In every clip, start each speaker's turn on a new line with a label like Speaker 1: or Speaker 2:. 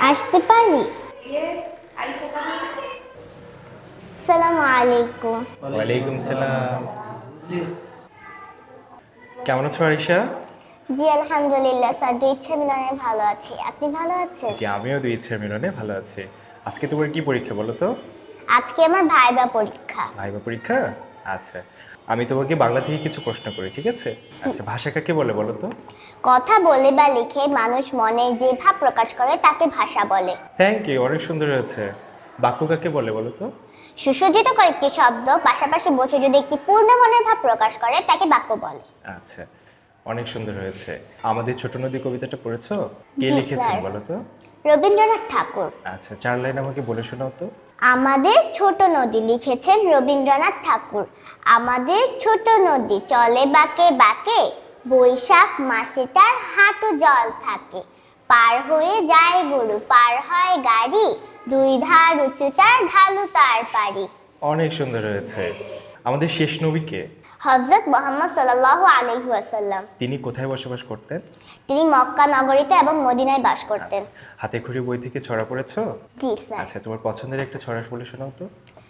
Speaker 1: আসতে পারি?
Speaker 2: Yes, Aisha coming.
Speaker 1: আসসালামু আলাইকুম।
Speaker 3: ওয়ালাইকুম সালাম। কেমন আছো আরিশা?
Speaker 1: জি আলহামদুলিল্লাহ স্যার, দুই ইচ্ছা মিলনে ভালো আছি। আপনি ভালো আছেন?
Speaker 3: জি, আমিও দুই ইচ্ছার মিলনে ভালো আছি। আজকে তোমার কি পরীক্ষা বলো তো?
Speaker 1: আজকে আমার ভাইবা পরীক্ষা।
Speaker 3: ভাইবা পরীক্ষা? আচ্ছা, আমি তোমাকে বাংলা থেকে কিছু প্রশ্ন করি, ঠিক আছে? আচ্ছা, ভাষা কাকে বলে বলো তো?
Speaker 1: কথা বলে বা লিখে মানুষ মনের যে ভাব প্রকাশ করে তাকে ভাষা বলে।
Speaker 3: থ্যাংক ইউ, অনেক সুন্দর হয়েছে। বাক্য কাকে বলে বলো তো?
Speaker 1: সুসজ্জিত কয়েকটি শব্দ পাশাপাশি বসে যদি একটি পূর্ণ মনের ভাব প্রকাশ করে তাকে বাক্য বলে।
Speaker 3: আচ্ছা, অনেক সুন্দর হয়েছে। আমাদের ছোট নদী কবিতাটা পড়েছো? কে
Speaker 1: জি,
Speaker 3: লিখেছেন
Speaker 1: স্যার।
Speaker 3: বলো তো?
Speaker 1: রবীন্দ্রনাথ ঠাকুর।
Speaker 3: আচ্ছা, 4 লাইন আমাকে বলে শোনাও তো।
Speaker 1: আমাদের ছোট নদী লিখেছেন রবীন্দ্রনাথ ঠাকুর। আমাদের ছোট নদী চলে বাঁকে বাঁকে, বৈশাখ মাসে তার হাঁটু জল থাকে। পার হয়ে যায় গরু, পার হয় গাড়ি, দুই ধার উঁচু তার ঢালু তার পারি।
Speaker 3: অনেক সুন্দর হয়েছে। আমাদের শেষ নবী কে?
Speaker 1: হযরত মুহাম্মদ সাল্লাল্লাহু আলাইহি ওয়াসাল্লাম।
Speaker 3: তিনি কোথায় বসবাস করতেন?
Speaker 1: তিনি মক্কা নগরীতে এবং মদিনায় বাস করতেন।
Speaker 3: হাতে খড়ি বই থেকে ছড়া পড়েছো?
Speaker 1: জি স্যার।
Speaker 3: আচ্ছা, তোমার পছন্দের একটা ছড়া বলে শোনাও তো।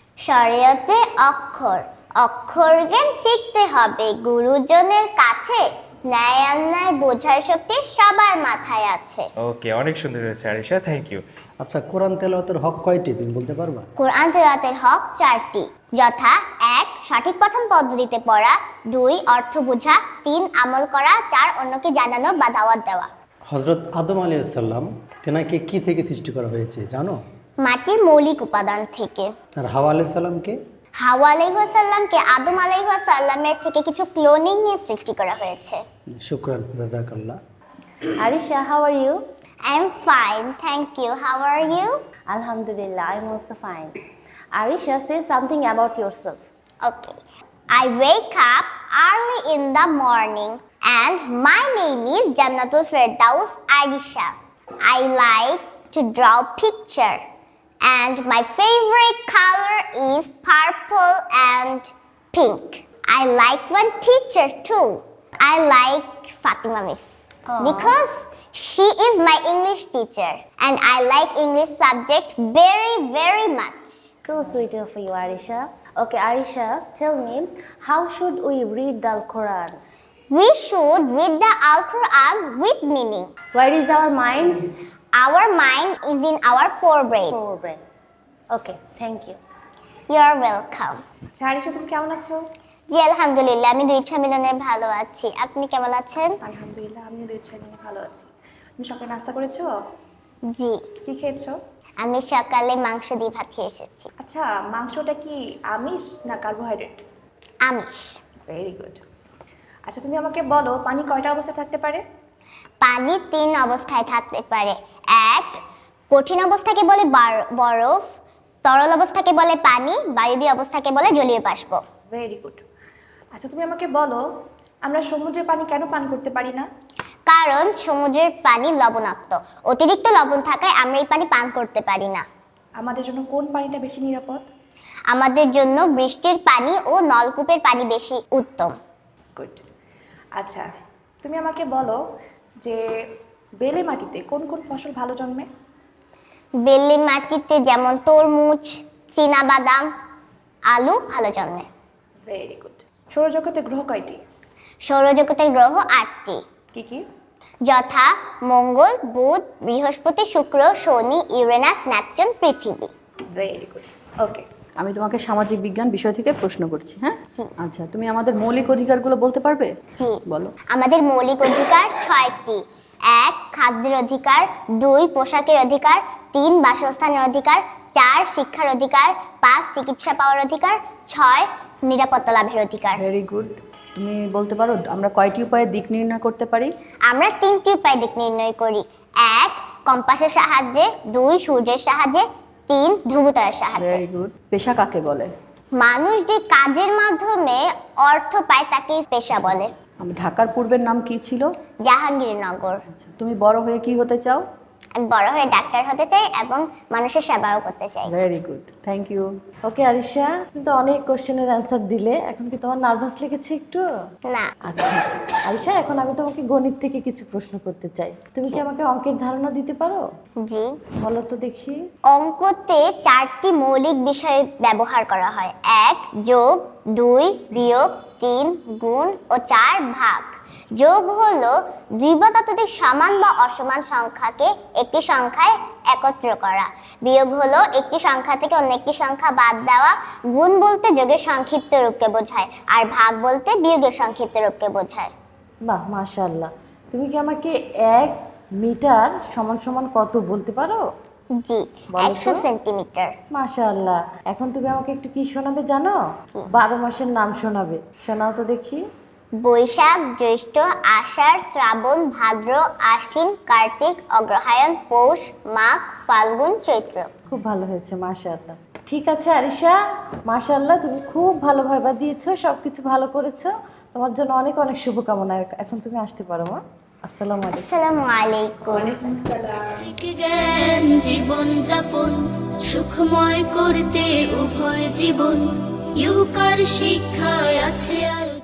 Speaker 1: শরীয়তে অক্ষর, অক্ষর জ্ঞান শিখতে হবে গুরুজনের কাছে, ন্যায় অন্যায় বোঝার শক্তি সবার মাথায় আছে।
Speaker 3: ওকে, অনেক সুন্দর হয়েছে আরিশা, থ্যাংক ইউ।
Speaker 4: আচ্ছা, কোরআন তেলাওয়াতের হক কয়টি তুমি বলতে পারবা?
Speaker 1: কোরআন তেলাওয়াতের হক 4টি, যথা 1 সঠিক পঠন পদ্ধতিতে পড়া, 2 অর্থ বোঝা, 3 আমল করা, 4 অন্যকে জানানো বা দাওয়াত দেওয়া।
Speaker 4: হজরত আদম আলাইহিস সালাম তেনাকে কি থেকে সৃষ্টি করা হয়েছে জানো?
Speaker 1: মাটির মৌলিক উপাদান থেকে।
Speaker 4: আর হাওয়া আলাইহিস সালামকে?
Speaker 1: হাওয়া আলাইহিস সালামকে আদম আলাইহিস সালামের থেকে কিছু ক্লোনিং নিয়ে সৃষ্টি করা হয়েছে।
Speaker 4: শুকরান, জাযাকাল্লাহ।
Speaker 5: Arisha, how are you?
Speaker 1: I'm fine, thank you. How are you?
Speaker 5: Alhamdulillah, I'm also fine. Arisha, say something about yourself.
Speaker 1: Okay. I wake up early in the morning and my name is Jannatul Firdaus Arisha. I like to draw picture and my favorite color is purple and pink. I like one teacher too. I like Fatima Miss because she is my English teacher and I like English subject very much.
Speaker 5: So sweet of you, Arisha. Okay, Arisha, tell me, how should we read the Quran?
Speaker 1: We should read the Al-Quran with meaning.
Speaker 5: Where is our mind?
Speaker 1: Our mind is in our forebrain.
Speaker 5: Forebrain. Okay, thank you.
Speaker 1: You're welcome.
Speaker 2: আচ্ছা আরিশা, তুমি কেমন আছো?
Speaker 1: জি আলহামদুলিল্লাহ, আমি দুই ইচ্ছা মিলনে ভালো আছি। আপনি কেমন আছেন?
Speaker 2: আলহামদুলিল্লাহ, আমিও দুই ছেলে নিয়ে ভালো আছি। তুমি সকালে নাস্তা করেছো?
Speaker 1: জি,
Speaker 2: কি খেয়েছো?
Speaker 1: আমি সকালে মাংস দিয়ে ভাত খেয়ে এসেছি।
Speaker 2: আচ্ছা, মাংসটা কি আমিষ না কার্বোহাইড্রেট?
Speaker 1: আমিষ।
Speaker 2: Very good. আচ্ছা, তুমি আমাকে বলো পানি কয়টা অবস্থায় থাকতে পারে?
Speaker 1: পানি 3 অবস্থায় থাকতে পারে। 1 কঠিন অবস্থাকে বলে বরফ, তরল অবস্থাকে বলে পানি, বায়বীয় অবস্থাকে বলে জলীয় বাষ্প।
Speaker 2: Very good. আচ্ছা, তুমি আমাকে বলো আমরা সমুদ্রের পানি কেন পান করতে পারি না?
Speaker 1: কারণ সমুদ্রের পানি লবণাক্ত, অতিরিক্ত লবণ থাকায় আমরা এই পানি পান করতে পারি না।
Speaker 2: আমাদের জন্য কোন পানিটা বেশি নিরাপদ?
Speaker 1: আমাদের জন্য বৃষ্টির পানি ও নলকূপের পানি বেশি উত্তম।
Speaker 2: গুড। আচ্ছা, তুমি আমাকে বলো যে বেলে মাটিতে কোন কোন ফসল ভালো জন্মে?
Speaker 1: বেলে মাটিতে যেমন তরমুজ, চীনাবাদাম, আলু ভালো জন্মে।
Speaker 2: Very good. সৌরজগতে গ্রহ কয়টি?
Speaker 1: সৌরজগতের গ্রহ 8টি,
Speaker 2: কি কি?
Speaker 1: যথা মঙ্গল, বুধ, বৃহস্পতি, শুক্র, শনি, ইউরেনাস, নেপচুন, পৃথিবী।
Speaker 2: Very good. ওকে।
Speaker 6: আমি তোমাকে সামাজিক বিজ্ঞান বিষয় থেকে প্রশ্ন করছি, হ্যাঁ? আচ্ছা, তুমি আমাদের মৌলিক অধিকারগুলো বলতে পারবে?
Speaker 1: জি,
Speaker 6: বলো।
Speaker 1: আমাদের মৌলিক অধিকার 6টি। 1 খাদ্যের অধিকার, 2 পোশাকের অধিকার, 3 বাসস্থানের অধিকার, 4 শিক্ষার অধিকার, 5 চিকিৎসা পাওয়ার অধিকার, 6 নিরাপত্তা লাভের অধিকার।
Speaker 6: Very good. তুমি বলতে পারো আমরা কয়টি উপায়ে দিক নির্ণয় করতে পারি?
Speaker 1: আমরা 3টি উপায়ে দিক নির্ণয় করি। 1 কম্পাসের সাহায্যে, 2 সূর্যের সাহায্যে, 3 ধ্রুবতারার সাহায্যে।
Speaker 6: Very good. পেশা কাকে বলে?
Speaker 1: মানুষ যে কাজের মাধ্যমে অর্থ পায় তাকে পেশা বলে।
Speaker 6: ঢাকার পূর্বের নাম কি ছিল?
Speaker 1: জাহাঙ্গীরনগর।
Speaker 6: তুমি বড় হয়ে কি হতে চাও?
Speaker 1: আমি বড় হয়ে ডাক্তার হতে চাই এবং মানুষের সেবাও করতে চাই।
Speaker 6: Very good, thank you.
Speaker 5: Okay Arisha, তুমি তো অনেক কোশ্চেনের অ্যান্সার দিলে, এখন কি তোমার নার্ভাস লেগেছে একটু?
Speaker 1: না।
Speaker 5: আচ্ছা আরিশা, এখন আমি তোমাকে গণিত থেকে কিছু প্রশ্ন করতে চাই। তুমি কি আমাকে অঙ্কের ধারণা দিতে পারো?
Speaker 1: জি।
Speaker 5: বলো তো দেখি।
Speaker 1: অঙ্কতে 4টি মৌলিক বিষয় ব্যবহার করা হয়: 1 যোগ, 2 বিয়োগ, 3 গুণ ও 4 ভাগ। যোগ হলো দুই বা ততোধিক সমান বা অসমান সংখ্যাকে একটি সংখ্যায় একত্র করা। বিয়োগ হলো একটি সংখ্যা থেকে অন্য একটি সংখ্যা বাদ দেওয়া। গুণ বলতে যোগের সংক্ষিপ্ত রূপকে বোঝায়, আর ভাগ বলতে বিয়োগের সংক্ষিপ্ত রূপকে বোঝায়।
Speaker 5: বাহ, মাশাআল্লাহ। তুমি কি আমাকে 1 মিটার সমান সমান কত বলতে পারো?
Speaker 1: জি,
Speaker 5: বলো তো।
Speaker 1: 100 সেন্টিমিটার।
Speaker 5: মাশাআল্লাহ। এখন তুমি আমাকে একটু কি শোনাবে জানো? 12 মাসের নাম শোনাবে, শোনাও তো দেখি।
Speaker 1: বৈশাখ, জ্যৈষ্ঠ, আষাঢ়, শ্রাবণ, ভাদ্র, আশ্বিন, কার্তিক, অগ্রহায়ণ, পৌষ, মাঘ, ফাল্গুন, চৈত্র।
Speaker 5: খুব ভালো হয়েছে, মাশাআল্লাহ। ঠিক আছে আরিশা, মাশাআল্লাহ, তুমি খুব ভালো ভাইবা দিয়েছো, সবকিছু ভালো করেছো। তোমার জন্য অনেক অনেক শুভকামনা। এখন তুমি আসতে পারো মা। আসসালামু আলাইকুম।
Speaker 1: আসসালামু আলাইকুম।
Speaker 7: থেকে জ্ঞান জীবন যাপন সুখময় করতে উভয় জীবন ইউকার শিক্ষায় আছে আর